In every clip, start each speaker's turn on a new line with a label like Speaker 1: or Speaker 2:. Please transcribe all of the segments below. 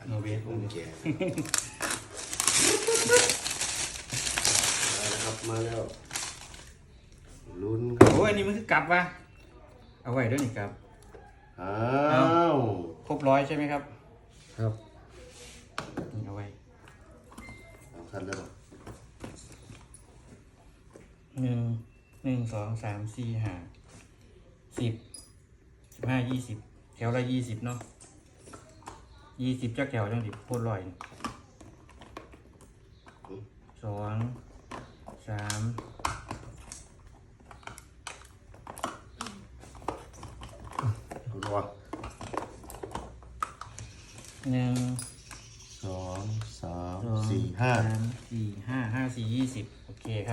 Speaker 1: โนเวท
Speaker 2: แกะมาแล้วครับมาแล้วลุ้นครับ
Speaker 1: โอ้ยอันนี้มันคือกลับวะเอาไว้ด้วยนี่ครับ
Speaker 2: อ้าว
Speaker 1: ครบร้อยใช่ไหมครับ
Speaker 2: ครับ
Speaker 1: นี่เอาไว้
Speaker 2: เอาคัดแล้ว
Speaker 1: 1 2 3 4 5 10 15 20แถวละ20เนาะ20จักแถวจังสิพูดร้อย2 3
Speaker 2: รัว
Speaker 1: 1
Speaker 2: 2 3
Speaker 1: 2
Speaker 2: 4 5
Speaker 1: 3 4 5 5 4 20โอเคครับ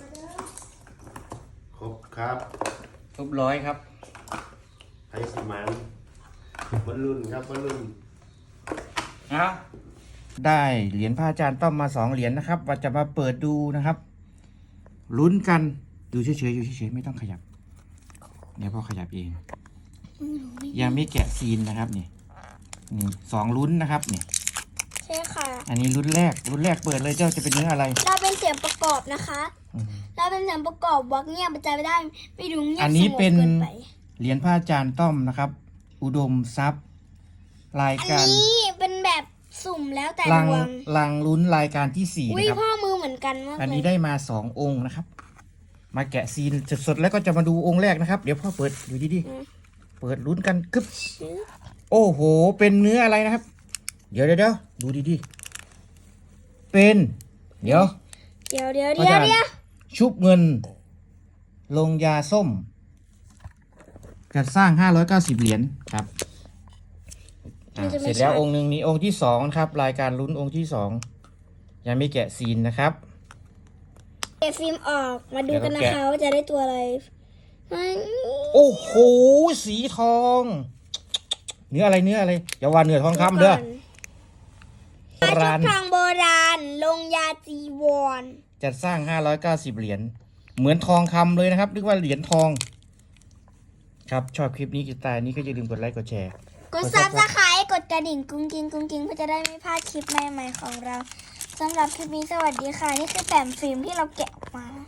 Speaker 2: ครบครับ
Speaker 1: ครบร้อยครับ
Speaker 2: ไทยสีมันบอลลูนครับบอลลูน
Speaker 1: เอาได้เหรียญพระอาจารย์ต้อมมา2เหรียญนะครับว่าจะมาเปิดดูนะครับลุ้นกันดูเฉยๆอยู่เฉยๆไม่ต้องขยับเดี๋ยวพ่อขยับเองยังไม่แกะซีนนะครับนี่2ลุ้นนะครับนี่
Speaker 3: ใช่ค่ะ
Speaker 1: อันนี้ลุ้นแรกเปิดเลยเจ้าจะเป็นเนื้ออะไร
Speaker 3: เราเป็นเสียงประกอบนะคะเราเป็นเสียงประกอบวักเงียบมันใจไม่ได้ไม่ดูเงียบ
Speaker 1: อัน
Speaker 3: ส
Speaker 1: นี้
Speaker 3: งบ
Speaker 1: เป็น
Speaker 3: เกินไป
Speaker 1: เหรียญพระอาจารย์ต้อมนะครับ อุดมทรัพย์ราย
Speaker 3: อัน
Speaker 1: การ
Speaker 3: นี้เป็นแบบสุ่มแล้วแต่
Speaker 1: ลัง
Speaker 3: ดวง
Speaker 1: ลังลุ้นรายการที่4
Speaker 3: อุ้ย
Speaker 1: นะครับ
Speaker 3: พ่อมือเหมือนกันมาก
Speaker 1: อัน
Speaker 3: เล
Speaker 1: นี้
Speaker 3: ย
Speaker 1: ได้มา2องค์นะครับ มาแกะซีนสดๆแล้วก็จะมาดูองค์แรกนะครับ เดี๋ยวพ่อเปิดดูดีๆเปิดลุ้นกันกึ๊บโอ้โห เป็นเนื้ออะไรนะครับ เดี๋ยวดูดีๆเป็น เดี๋ยว
Speaker 3: เดี๋ยว
Speaker 1: อาจารย์ ชุบเงิน ลงยาส้มจัดสร้าง590เหรียญครับเสร็จแล้วองค์หนึ่งนี้องค์ที่2ครับ รายการลุ้นองค์ที่2ยังไม่แกะซีนนะครับ
Speaker 3: เก็บฟิล์มออกมาดูกัน
Speaker 1: เดี๋
Speaker 3: นะ
Speaker 1: ยวเราแกะ
Speaker 3: คะว่าจะได้ตัวอะไรไม่
Speaker 1: โอ้โห สีทอง เนื้ออะไรอย่าว่าเนื้อทองคำเด้อ
Speaker 3: ชุดทองโบราณลงยาจีวร
Speaker 1: จัดสร้าง590เหรียญเหมือนทองคำเลยนะครับเรียกว่าเหรียญทอง ครับชอบคลิปนี้กีตาร์นี้ก็อย่าลืมกดไลค์กดแชร์
Speaker 3: กดซับสไครต์กดกระดิ่งกุ้งกิ้งเพื่อจะได้ไม่พลาดคลิปใหม่ๆของเราสำหรับคลิปนี้สวัสดีค่ะ นี่คือแผ่นฟิล์มที่เราแกะออกมา